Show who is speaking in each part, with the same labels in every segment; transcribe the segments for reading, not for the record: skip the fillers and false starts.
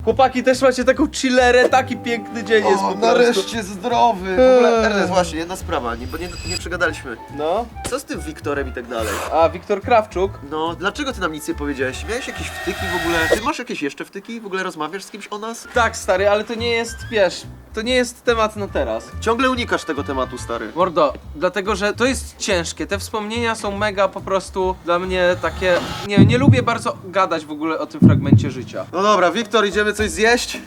Speaker 1: Chłopaki, też macie taką chillerę, taki piękny dzień jest po prostu.
Speaker 2: Nareszcie zdrowy. W ogóle, Ernest, właśnie, jedna sprawa, bo nie przegadaliśmy.
Speaker 1: No.
Speaker 2: Co z tym Wiktorem i tak dalej?
Speaker 1: A, Wiktor Krawczuk?
Speaker 2: No, dlaczego ty nam nic nie powiedziałeś? Miałeś jakieś wtyki w ogóle? Ty masz jakieś jeszcze wtyki? W ogóle rozmawiasz z kimś o nas?
Speaker 1: Tak, stary, ale to nie jest, wiesz, to nie jest temat na teraz.
Speaker 2: Ciągle unikasz tego tematu, stary.
Speaker 1: Mordo, dlatego że to jest ciężkie, te wspomnienia są mega po prostu dla mnie takie, nie lubię bardzo gadać w ogóle o tym fragmencie życia.
Speaker 2: No dobra, Wiktor, idziemy coś zjeść?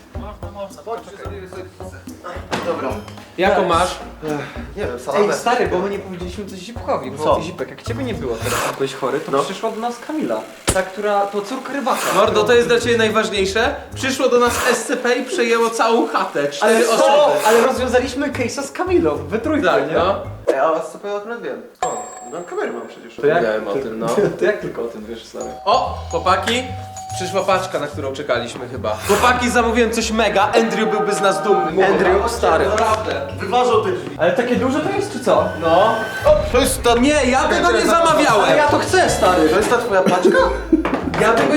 Speaker 2: Dobra.
Speaker 1: Jaką masz?
Speaker 2: Nie wiem, salamę.
Speaker 3: Ej, stary, bo my nie powiedzieliśmy coś Zipkowi, bo
Speaker 2: Co?
Speaker 3: Zipek, jak ciebie nie było teraz, jak byłeś chory, to
Speaker 2: No.
Speaker 3: przyszła do nas Kamila. Ta, która, to córka rybaka.
Speaker 1: Mordo, to jest dla ciebie najważniejsze. Przyszło do nas SCP i przejęło całą chatę, 4 osoby.
Speaker 3: Ale rozwiązaliśmy case'a z Kamilą, we trójkę,
Speaker 1: Tak,
Speaker 3: nie?
Speaker 1: no.
Speaker 2: Ej, a was co powiem akurat wiem. No kamery mam przecież.
Speaker 3: To jak,
Speaker 1: Wiedziałem o tym, no.
Speaker 3: to jak tylko o tym wiesz, stary?
Speaker 1: O, chłopaki, przyszła paczka, na którą czekaliśmy chyba. Chłopaki, zamówiłem coś mega, Andrew byłby z nas dumny.
Speaker 3: Andrew, stary.
Speaker 1: Naprawdę.
Speaker 2: Wyważą te drzwi.
Speaker 3: Ale takie duże to jest, czy co?
Speaker 1: No.
Speaker 2: To jest ta...
Speaker 1: Nie, ja tego nie zamawiałem.
Speaker 3: Ale ja to chcę, stary!
Speaker 2: To jest ta twoja paczka?
Speaker 1: Ja tego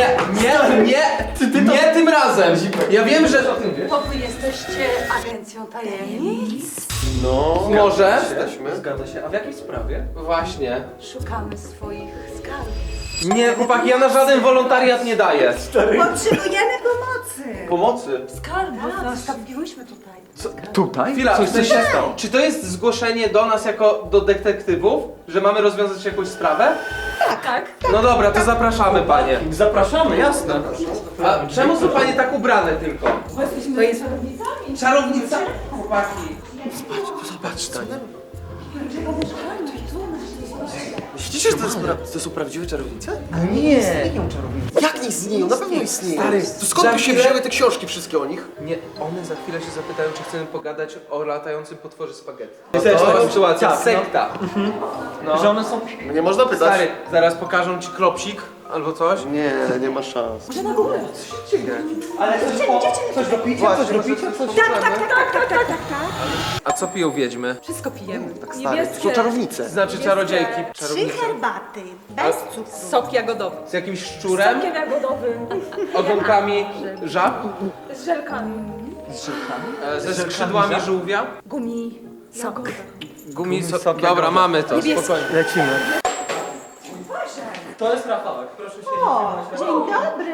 Speaker 1: nie tym razem. Ja wiem, że...
Speaker 4: To wy jesteście agencją tajemnic?
Speaker 2: No.
Speaker 1: Może?
Speaker 2: Jesteśmy.
Speaker 3: Zgadza się, a w jakiej sprawie?
Speaker 1: Właśnie.
Speaker 4: Szukamy swoich skarbów.
Speaker 1: Nie, chłopaki, ja na żaden wolontariat nie daję.
Speaker 5: Potrzebujemy pomocy.
Speaker 2: Pomocy.
Speaker 4: Skarbów zostawiłyśmy tutaj.
Speaker 3: Tutaj?
Speaker 1: Chwila,
Speaker 3: Coś
Speaker 1: w sensie,
Speaker 3: się stało.
Speaker 1: czy to jest zgłoszenie do nas jako do detektywów, że mamy rozwiązać jakąś sprawę?
Speaker 4: Tak.
Speaker 1: No dobra, to zapraszamy panie.
Speaker 3: Zapraszamy, jasne.
Speaker 1: A czemu są panie tak ubrane tylko?
Speaker 4: Bo jesteśmy czarownicami.
Speaker 1: Czarownica? Chłopaki.
Speaker 2: Zobacz, Tania. Myślicie, że to są prawdziwe czarownice?
Speaker 3: Nie. Istnieją czarownice.
Speaker 2: Jak nie istnieją? Na pewno istnieją.
Speaker 1: Stary,
Speaker 2: To skąd
Speaker 1: za
Speaker 2: by się
Speaker 1: chwilę-
Speaker 2: wzięły te książki wszystkie o nich?
Speaker 1: Nie, one za chwilę się zapytają, czy chcemy pogadać o latającym potworze spaghetti.
Speaker 3: To
Speaker 1: To
Speaker 3: jest
Speaker 1: jest
Speaker 3: taka
Speaker 1: sytuacja,
Speaker 3: tak, no.
Speaker 1: sekta. No.
Speaker 3: Że one są...
Speaker 2: Nie można pytać.
Speaker 1: Stary, zaraz pokażą ci klopsik albo coś.
Speaker 2: Nie, nie ma szans.
Speaker 4: Może na górę.
Speaker 3: Ale coś robicie? Coś robicie? Coś...
Speaker 4: Tak.
Speaker 1: A co piją wiedźmy?
Speaker 4: Wszystko pijemy.
Speaker 2: Tak stary, to są czarownice.
Speaker 1: Znaczy czarodziejki.
Speaker 5: 3
Speaker 1: Czarownice.
Speaker 5: herbaty, bez cukru.
Speaker 4: Sok jagodowy.
Speaker 1: Z jakimś szczurem,
Speaker 4: Sokiem jagodowym.
Speaker 1: ogonkami żab,
Speaker 4: Z żelkami.
Speaker 1: ze skrzydłami żółwia.
Speaker 4: Gumi. Sok.
Speaker 1: Gumi,
Speaker 3: sok
Speaker 1: dobra,
Speaker 3: jagodowy.
Speaker 1: mamy to, spokojnie.
Speaker 3: Lecimy. To jest Rafałek, proszę się
Speaker 5: O, dzień dobry.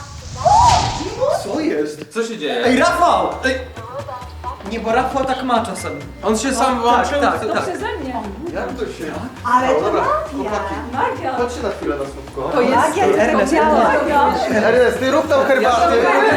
Speaker 2: Co jest?
Speaker 1: Co się dzieje?
Speaker 3: Ej, Rafał! Ej. Nie, bo Rafał tak ma czasem.
Speaker 1: On się sam włączył?
Speaker 3: tak.
Speaker 4: Przeze mnie.
Speaker 2: Jak to się...
Speaker 5: Ale to
Speaker 2: Dobra,
Speaker 5: magia.
Speaker 2: chłopaki,
Speaker 4: Magia.
Speaker 2: chodźcie na chwilę na słówko.
Speaker 4: To jest
Speaker 5: Magia jest
Speaker 3: Ernest,
Speaker 5: działa.
Speaker 2: Ernest, ty rób tam herbatę.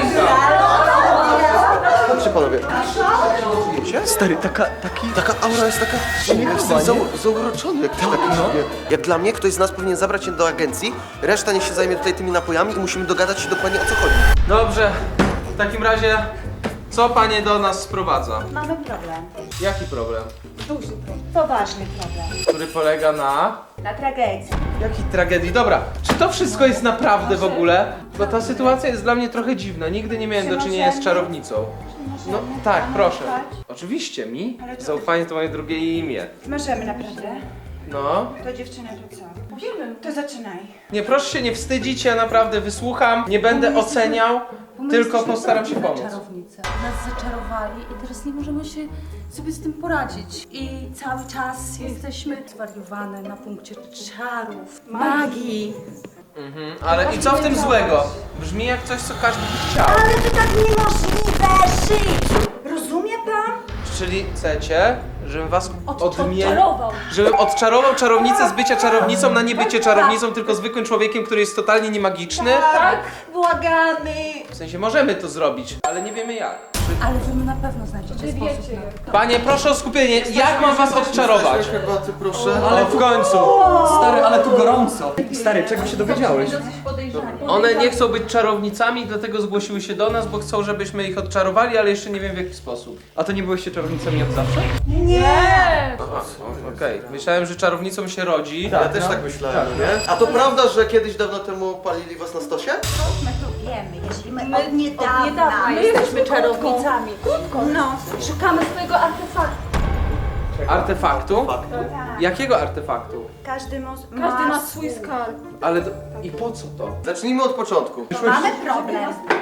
Speaker 2: Chodźcie panowie.
Speaker 3: Stary, taka...
Speaker 2: Taka aura jest taka... Jesteś zauroczony jakiś taki sobie. Jak dla mnie, ktoś z nas powinien zabrać się do agencji, reszta niech się zajmie tutaj tymi napojami i musimy dogadać się dokładnie o co chodzi.
Speaker 1: Dobrze, w takim razie, co panie do nas sprowadza?
Speaker 5: Mamy problem.
Speaker 1: Jaki problem?
Speaker 5: Duży problem. Poważny problem.
Speaker 1: Który polega na...
Speaker 5: Na tragedii.
Speaker 1: Jakiej tragedii? Dobra, czy to wszystko jest naprawdę w ogóle? Bo ta sytuacja jest dla mnie trochę dziwna. Nigdy nie miałem do czynienia z czarownicą. No tak, proszę. Oczywiście, mi? Zaufanie to moje drugie imię.
Speaker 5: Możemy naprawdę.
Speaker 1: No.
Speaker 5: To dziewczyna to co? To zaczynaj.
Speaker 1: Nie, proszę się nie wstydzić, ja naprawdę wysłucham, nie będę oceniał, tylko postaram się pomóc.
Speaker 4: Czarownice. Nas zaczarowali i teraz nie możemy się sobie z tym poradzić. I cały czas jesteśmy zwariowane na punkcie czarów, magii.
Speaker 1: Ale i co w tym złego? Brzmi jak coś, co każdy by chciał.
Speaker 5: Ale to tak niemożliwe żyć. Rozumie pan?
Speaker 1: Czyli chcecie, żebym was
Speaker 4: Odczarował.
Speaker 1: żebym odczarował czarownicę z bycia czarownicą na nie bycie czarownicą, tylko zwykłym człowiekiem, który jest totalnie niemagiczny?
Speaker 5: Tak. Błagamy.
Speaker 1: W sensie możemy to zrobić, ale nie wiemy jak.
Speaker 4: Ale wy na pewno znajdziecie sposób na to.
Speaker 1: Panie, proszę o skupienie, jak mam was odczarować?
Speaker 2: Herbaty, proszę.
Speaker 1: Ale w końcu.
Speaker 3: Stary, ale tu gorąco. Stary, czego się dowiedziałeś?
Speaker 4: Dosyć podejrzanie.
Speaker 1: One nie chcą być czarownicami, dlatego zgłosiły się do nas, bo chcą, żebyśmy ich odczarowali, ale jeszcze nie wiem w jaki sposób.
Speaker 3: A to nie byłyście czarownicami od zawsze?
Speaker 4: Nie!
Speaker 1: Aha, okej. Myślałem, że czarownicą się rodzi.
Speaker 2: Ja też tak myślałem, nie? A to prawda, że kiedyś dawno temu palili was na stosie?
Speaker 5: My to wiemy, jeśli my
Speaker 4: My
Speaker 5: od niedawna.
Speaker 4: My jesteśmy czarownicami.
Speaker 5: No.
Speaker 4: Szukamy swojego artefaktu.
Speaker 1: Artefaktu?
Speaker 5: Tak.
Speaker 1: Jakiego artefaktu?
Speaker 5: Każdy
Speaker 4: Każdy ma swój skarb.
Speaker 1: Ale i po co to?
Speaker 2: Zacznijmy od początku.
Speaker 5: Mamy problem.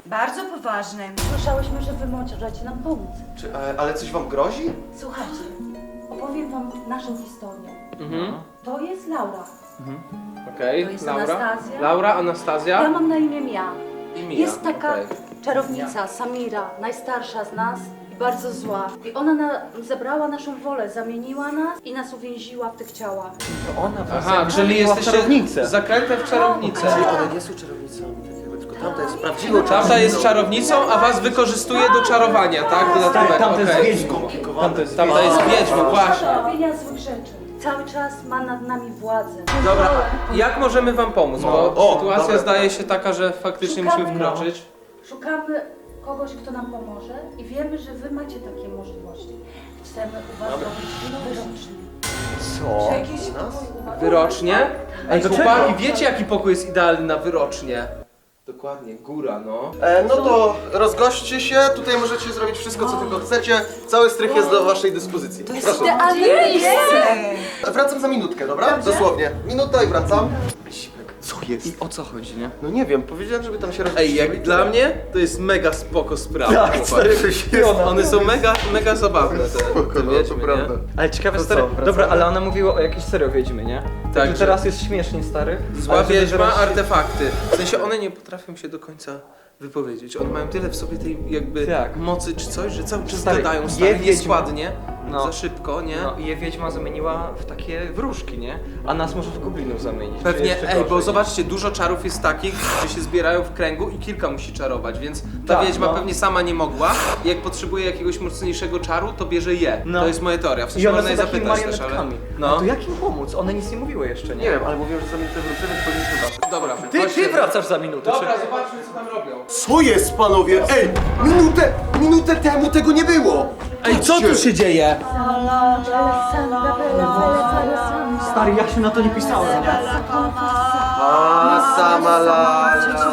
Speaker 5: Bardzo poważnym.
Speaker 4: Słyszałyśmy, że wy możecie nam pomóc.
Speaker 2: Ale coś wam grozi?
Speaker 4: Słuchajcie, opowiem wam naszą historię.
Speaker 1: Mhm.
Speaker 4: To jest Laura.
Speaker 1: Okej,
Speaker 4: To jest
Speaker 1: Laura.
Speaker 4: Anastazja.
Speaker 1: Laura, Anastazja.
Speaker 4: Ja mam na imię Mia.
Speaker 1: I Mia.
Speaker 4: Jest taka
Speaker 1: okej.
Speaker 4: czarownica, Samira, najstarsza z nas i bardzo zła. I ona zebrała naszą wolę, zamieniła nas i nas uwięziła w tych ciałach.
Speaker 3: To ona was
Speaker 1: Aha, czyli jesteście
Speaker 3: czarownicę.
Speaker 1: zaklęte w czarownicę.
Speaker 2: Czyli one nie są czarownicami, tak jakby, tylko tamta jest prawdziwą czarownicą.
Speaker 1: Tamta jest czarownicą, a was wykorzystuje do czarowania, tak? Dodatkowo,
Speaker 3: Tamta jest
Speaker 1: okej.
Speaker 3: wiedźmą.
Speaker 1: Tamta jest wiedźmą, właśnie.
Speaker 4: Do robienia złych rzeczy. Cały czas ma nad nami władzę.
Speaker 1: Dobra, jak możemy wam pomóc? Bo
Speaker 2: O,
Speaker 1: sytuacja
Speaker 2: dobra.
Speaker 1: zdaje się taka, że faktycznie
Speaker 4: Szukamy.
Speaker 1: musimy wkroczyć.
Speaker 4: Szukamy kogoś, kto nam pomoże i wiemy, że wy macie takie możliwości. Chcemy u was robić wyrocznie.
Speaker 3: Co?
Speaker 4: Jakiś pokój u was?
Speaker 1: Wyrocznie? Ej,
Speaker 3: do
Speaker 1: chłopaki,
Speaker 3: czego?
Speaker 1: wiecie jaki pokój jest idealny na wyrocznie? Dokładnie, góra, no.
Speaker 2: No to rozgośćcie się, tutaj możecie zrobić wszystko, co tylko chcecie. Cały strych jest do waszej dyspozycji. Proszę.
Speaker 4: Idealne miejsce!
Speaker 2: Wracam za minutkę, dobra? Dosłownie. Minuta i wracam.
Speaker 3: Co jest? I o co chodzi, nie?
Speaker 2: No nie wiem, powiedziałem, żeby tam się
Speaker 1: Ej, jak dla mnie to jest mega spoko sprawa.
Speaker 3: Tak,
Speaker 1: chłopaki.
Speaker 3: stary,
Speaker 1: One są mega zabawne, te
Speaker 2: no,
Speaker 1: wiedźmy,
Speaker 2: to prawda.
Speaker 1: nie?
Speaker 3: Ale ciekawe,
Speaker 2: To
Speaker 3: stary.
Speaker 2: co, wracamy?
Speaker 3: Dobra, ale ona mówiła o jakiejś serio wiedźmy, nie?
Speaker 1: Tak,
Speaker 3: Także
Speaker 1: że-
Speaker 3: teraz jest śmiesznie, stary.
Speaker 1: Zła
Speaker 3: Ale żeby
Speaker 1: wiedźma,
Speaker 3: zaraz się-
Speaker 1: artefakty. W sensie one nie potrafią się do końca wypowiedzieć. One mają tyle w sobie tej jakby
Speaker 3: Tak.
Speaker 1: mocy czy coś, że cały czas
Speaker 3: Stary,
Speaker 1: gadają
Speaker 3: je
Speaker 1: stary,
Speaker 3: wiedźma.
Speaker 1: nieskładnie,
Speaker 3: No.
Speaker 1: za szybko, nie?
Speaker 3: No i je wiedźma zamieniła w takie wróżki, nie? A nas może w goblinów zamienić. czy
Speaker 1: Pewnie,
Speaker 3: jeszcze
Speaker 1: ej, bo
Speaker 3: gorzej.
Speaker 1: zobaczcie, dużo czarów jest takich, że się zbierają w kręgu i kilka musi czarować, więc ta
Speaker 3: Tak,
Speaker 1: wiedźma
Speaker 3: no.
Speaker 1: pewnie sama nie mogła i jak potrzebuje jakiegoś mocniejszego czaru, to bierze je.
Speaker 3: No.
Speaker 1: To jest moja teoria, w
Speaker 3: I
Speaker 1: sensie
Speaker 3: one
Speaker 1: można
Speaker 3: są
Speaker 1: je
Speaker 3: takimi
Speaker 1: zapytać też, ale...
Speaker 3: marionetkami.
Speaker 1: No.
Speaker 3: No. To jak im pomóc? One nic nie mówiły jeszcze, nie?
Speaker 2: Nie wiem, ale mówiłem, że za minutę wrócę, więc powinniśmy wracać.
Speaker 1: Dobra,
Speaker 3: Ty
Speaker 1: chodźcie.
Speaker 3: wracasz za minutę.
Speaker 1: Dobra, zobaczmy co tam robią.
Speaker 2: Co jest, panowie? Ej, minutę temu tego nie było!
Speaker 1: Ej, co tu się dzieje?
Speaker 3: Stary, ja się na to nie pisałem.
Speaker 2: A, sama la,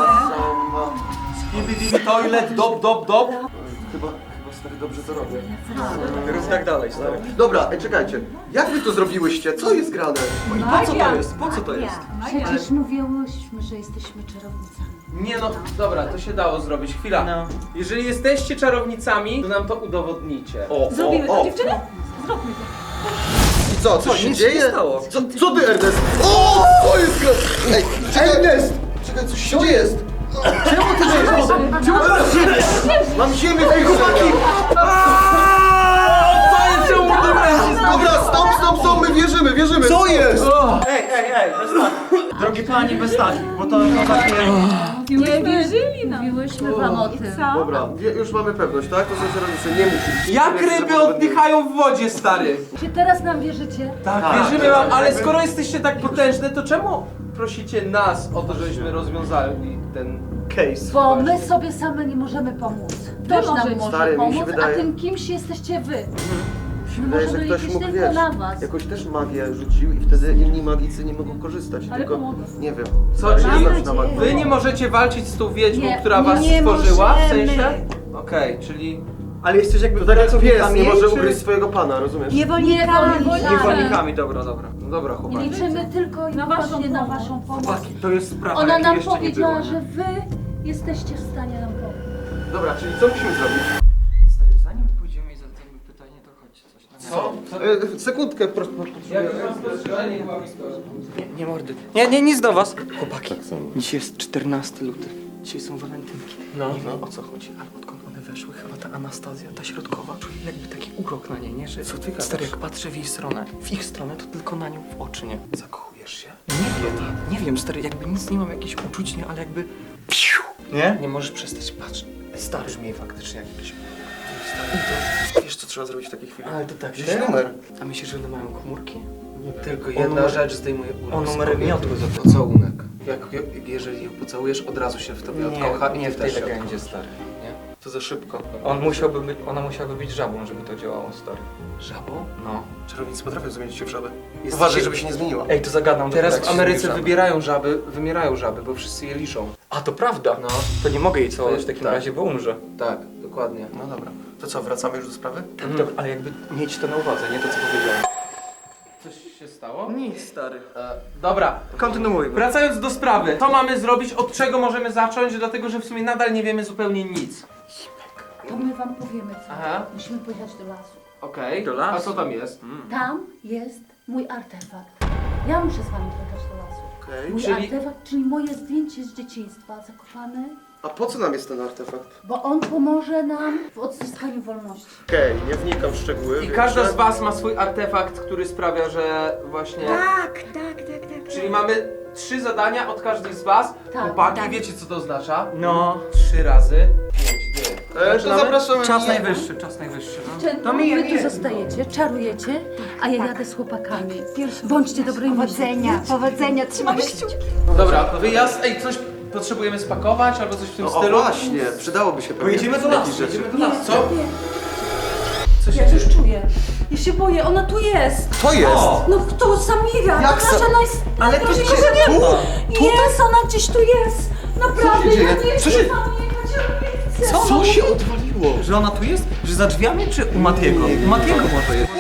Speaker 1: Toilet, dop.
Speaker 2: Chyba stary dobrze to robię.
Speaker 3: Rób tak dalej, stary.
Speaker 2: Dobra, czekajcie. Jak wy to zrobiłyście? Co jest grane?
Speaker 3: Po co to jest? Po co to jest?
Speaker 4: Przecież mówiłyśmy, że jesteśmy czarownicami.
Speaker 1: Nie no, dobra, to się dało zrobić. Chwila.
Speaker 3: No.
Speaker 1: Jeżeli jesteście czarownicami, to nam to udowodnicie.
Speaker 4: Zrobimy
Speaker 2: o.
Speaker 4: to, dziewczyny? Zróbmy to.
Speaker 2: I co się
Speaker 3: nic się
Speaker 2: dzieje?
Speaker 3: nie stało.
Speaker 2: Co ty, Ernest? O, co jest grane? Ej, czekaj, Ernest! Czekaj, coś się dzieje. Czemu ty żyjesz? Czemu ty żyjesz? Mam ziemię, ej, chłopaki! Dobra, stop, my wierzymy. Co jest?
Speaker 3: Ej, bez takich. Drogi pani, bez takich, bo to takie...
Speaker 4: Nie wierzyli nam. Mówiłyśmy wam o tym.
Speaker 2: Dobra, już mamy pewność, tak? To są czarownice, nie musisz.
Speaker 1: Jak ryby oddychają w wodzie, stary?
Speaker 4: Czy teraz nam wierzycie?
Speaker 1: Tak, wierzymy wam, ale skoro jesteście tak potężne, to czemu prosicie nas o to, żebyśmy rozwiązali ten case?
Speaker 4: Bo my sobie same nie możemy pomóc. Ktoś nam może
Speaker 2: Stary, mi się
Speaker 4: pomóc,
Speaker 2: wydaje-
Speaker 4: a tym kimś jesteście wy.
Speaker 2: Wydaje, że
Speaker 4: możemy
Speaker 2: ktoś
Speaker 4: liczyć
Speaker 2: mógł,
Speaker 4: tylko
Speaker 2: wiesz,
Speaker 4: na was.
Speaker 2: jakoś też magię rzucił i wtedy inni magicy nie mogą korzystać, tylko,
Speaker 4: pomogą.
Speaker 2: nie wiem.
Speaker 1: Co,
Speaker 2: Stary,
Speaker 1: czyli
Speaker 2: nie znam się na magii.
Speaker 1: wy nie możecie walczyć z tą wiedźmą,
Speaker 4: Nie,
Speaker 1: która was
Speaker 5: nie
Speaker 1: stworzyła, w
Speaker 5: możemy.
Speaker 1: sensie? Okej, czyli...
Speaker 3: Ale jesteś jakby
Speaker 2: To tak jak pies
Speaker 3: pracownikami,
Speaker 2: nie może
Speaker 3: czy-
Speaker 2: ugryźć swojego pana, rozumiesz?
Speaker 5: Niewolnikami.
Speaker 3: Niewolnikami, dobra.
Speaker 1: No dobra,
Speaker 4: I
Speaker 1: chłopaki.
Speaker 4: liczymy tylko i wyłącznie na waszą pomoc.
Speaker 3: Chłopaki, to jest sprawa,
Speaker 4: Ona
Speaker 3: jakiej
Speaker 4: nam
Speaker 3: jeszcze nie
Speaker 4: powiedziała,
Speaker 3: było, nie?
Speaker 4: że wy jesteście w stanie nam pomóc.
Speaker 2: Dobra, czyli co musimy zrobić?
Speaker 3: Stary, zanim pójdziemy i zadamy pytanie, to chodź coś na
Speaker 1: Co?
Speaker 2: Sekundkę, proszę.
Speaker 1: Jak rozpoczynanie była historia?
Speaker 3: Nie mordy. Nie, nic do was. Chłopaki, dzisiaj jest 14 luty. Dzisiaj są walentynki.
Speaker 1: No.
Speaker 3: Nie wiem o co chodzi, ale odkąd one weszły, chyba ta Anastazja, ta środkowa, czuję jakby taki urok na niej, nie? Że
Speaker 2: Co ty gadasz?
Speaker 3: stary, jak patrzę w jej stronę, to tylko na nią w oczy, nie?
Speaker 1: Zakochujesz się?
Speaker 3: Nie wiem, stary, jakby nic nie mam jakichś uczuć, nie? Ale jakby... Nie?
Speaker 1: Nie możesz przestać patrzeć.
Speaker 3: Stary.
Speaker 1: Brzmi faktycznie jak jakiś...
Speaker 2: Wiesz, co trzeba zrobić w takiej chwili?
Speaker 3: Ale to tak,
Speaker 2: Wziąć numer.
Speaker 3: A myślisz, że one mają komórki?
Speaker 1: Tylko
Speaker 3: O
Speaker 1: jedna
Speaker 3: numer-
Speaker 1: rzecz zdejmuje
Speaker 3: o
Speaker 1: urok z
Speaker 3: numer
Speaker 1: kobiety.
Speaker 3: miotły zapytam.
Speaker 1: Pocałunek. Jeżeli ją pocałujesz, od razu się w tobie
Speaker 3: Nie,
Speaker 1: odkocha i
Speaker 3: nie
Speaker 1: ty
Speaker 3: w tej
Speaker 1: też się
Speaker 3: legendzie,
Speaker 1: odkochasz.
Speaker 3: stary.
Speaker 1: Nie? To za szybko.
Speaker 3: Ona musiałaby być żabą, żeby to działało, stary.
Speaker 1: Żabą?
Speaker 3: No.
Speaker 2: Czarownicy potrafią zamienić się w żabę.
Speaker 1: Jest
Speaker 2: Uważaj,
Speaker 1: dzisiaj-
Speaker 2: żeby się nie zmieniła.
Speaker 3: Ej, to zagadam.
Speaker 1: Teraz
Speaker 3: dopiero
Speaker 1: w
Speaker 3: jak się
Speaker 1: Ameryce
Speaker 3: zmierzamy.
Speaker 1: wymierają żaby, bo wszyscy je liczą.
Speaker 3: A, to prawda.
Speaker 1: No.
Speaker 3: To nie mogę jej całować w takim
Speaker 1: Tak.
Speaker 3: razie, bo umrze.
Speaker 1: Tak, dokładnie.
Speaker 2: No dobra. To co, wracamy już do sprawy?
Speaker 3: Tak, ale jakby mieć to na uwadze, nie to co powiedziałem.
Speaker 1: Coś się stało?
Speaker 3: Nic, stary.
Speaker 1: Dobra,
Speaker 3: Kontynuujmy.
Speaker 1: wracając do sprawy. Co mamy zrobić, od czego możemy zacząć, dlatego że w sumie nadal nie wiemy zupełnie nic.
Speaker 4: To my wam powiemy co.
Speaker 1: Aha.
Speaker 4: Musimy pojechać do lasu.
Speaker 1: Okej,
Speaker 3: Do lasu.
Speaker 1: a co tam jest?
Speaker 4: Tam jest mój artefakt. Ja muszę z wami pojechać do lasu.
Speaker 2: Okej.
Speaker 4: Mój
Speaker 1: Czyli-
Speaker 4: artefakt, czyli moje zdjęcie z dzieciństwa zakopane,
Speaker 2: A po co nam jest ten artefakt?
Speaker 4: bo on pomoże nam w odzyskaniu wolności.
Speaker 2: Okej, nie wnikam w szczegóły.
Speaker 1: I
Speaker 2: wiem,
Speaker 1: każda
Speaker 2: że-
Speaker 1: z was ma swój artefakt, który sprawia, że właśnie...
Speaker 5: Tak.
Speaker 1: Czyli mamy 3 zadania od każdej z was.
Speaker 4: Tak,
Speaker 1: Chłopaki,
Speaker 5: tak.
Speaker 1: wiecie co to oznacza?
Speaker 3: No.
Speaker 1: 3 razy 5 dni.
Speaker 2: To zapraszamy.
Speaker 3: Czas najwyższy, czas najwyższy. No.
Speaker 4: Dziewczęta, wy tu zostajecie, czarujecie, a ja jadę z chłopakami. Bądźcie dobrymi.
Speaker 5: Powodzenia, trzymamy kciuki.
Speaker 1: Dobra, wyjazd. Ej, coś potrzebujemy spakować albo coś w tym
Speaker 2: O
Speaker 1: stylu?
Speaker 2: właśnie, przydałoby się pewnie.
Speaker 3: Pojedziemy do lasu,
Speaker 2: jakieś rzeczy.
Speaker 3: jedziemy do lasu.
Speaker 1: Co? Co się
Speaker 4: Ja
Speaker 1: dzieje?
Speaker 4: już czuję. Ja się boję, ona tu jest.
Speaker 2: To jest!
Speaker 4: No kto? Samira,
Speaker 2: Jak
Speaker 4: to nasza
Speaker 3: Ale to
Speaker 4: najlepsza
Speaker 3: się
Speaker 4: nie
Speaker 3: tu?
Speaker 4: ma. Jest, ona gdzieś tu jest. Naprawdę,
Speaker 2: dzieje?
Speaker 4: ja nie
Speaker 2: Co
Speaker 4: chcę
Speaker 2: się-
Speaker 4: tam jechać, ja nie chcę.
Speaker 2: Co się odwaliło?
Speaker 3: Że ona tu jest? Że za drzwiami czy u Matiego? U Matiego może jest.